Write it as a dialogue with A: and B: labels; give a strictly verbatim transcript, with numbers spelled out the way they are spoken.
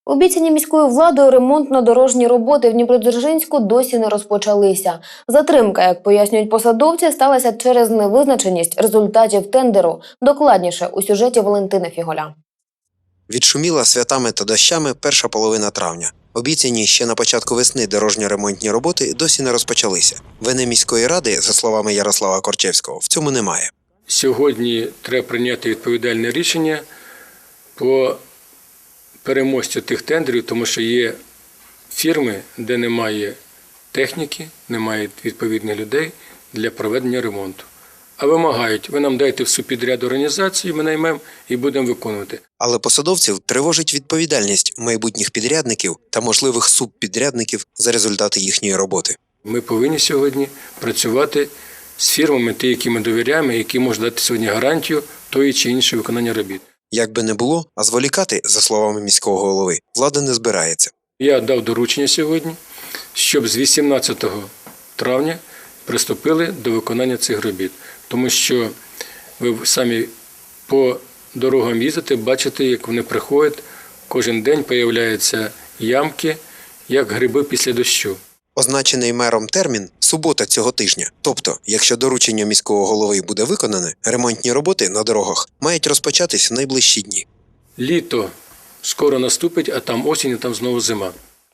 A: Обіцяні міською владою ремонтно-дорожні роботи в Дніпродзержинську досі не розпочалися. Затримка, як пояснюють посадовці, сталася через невизначеність результатів тендеру. Докладніше у сюжеті Валентини Фіголя.
B: Відшуміла святами та дощами перша половина травня. Обіцяні ще на початку весни дорожньо-ремонтні роботи досі не розпочалися. Вини міської ради, за словами Ярослава Корчевського, в цьому немає.
C: Сьогодні треба прийняти відповідальне рішення по переможцю тих тендерів, тому що є фірми, де немає техніки, немає відповідних людей для проведення ремонту. А вимагають, ви нам дайте в субпідряд організацію, ми наймемо і будемо виконувати.
B: Але посадовців тривожить відповідальність майбутніх підрядників та можливих субпідрядників за результати їхньої роботи.
C: Ми повинні сьогодні працювати з фірмами, ті, які ми довіряємо, які можуть дати сьогодні гарантію тої чи іншої виконання робіт.
B: Як би не було, а зволікати, за словами міського голови, влада не збирається.
C: Я дав доручення сьогодні, щоб з вісімнадцятого травня приступили до виконання цих робіт. Тому що ви самі по дорогам їздите, бачите, як вони приходять, кожен день з'являються ямки, як гриби після дощу.
B: Означений мером термін – субота цього тижня. Тобто, якщо доручення міського голови буде виконане, ремонтні роботи на дорогах мають розпочатись в найближчі дні.
C: Літо скоро наступить, а там осінь, а там знову зима.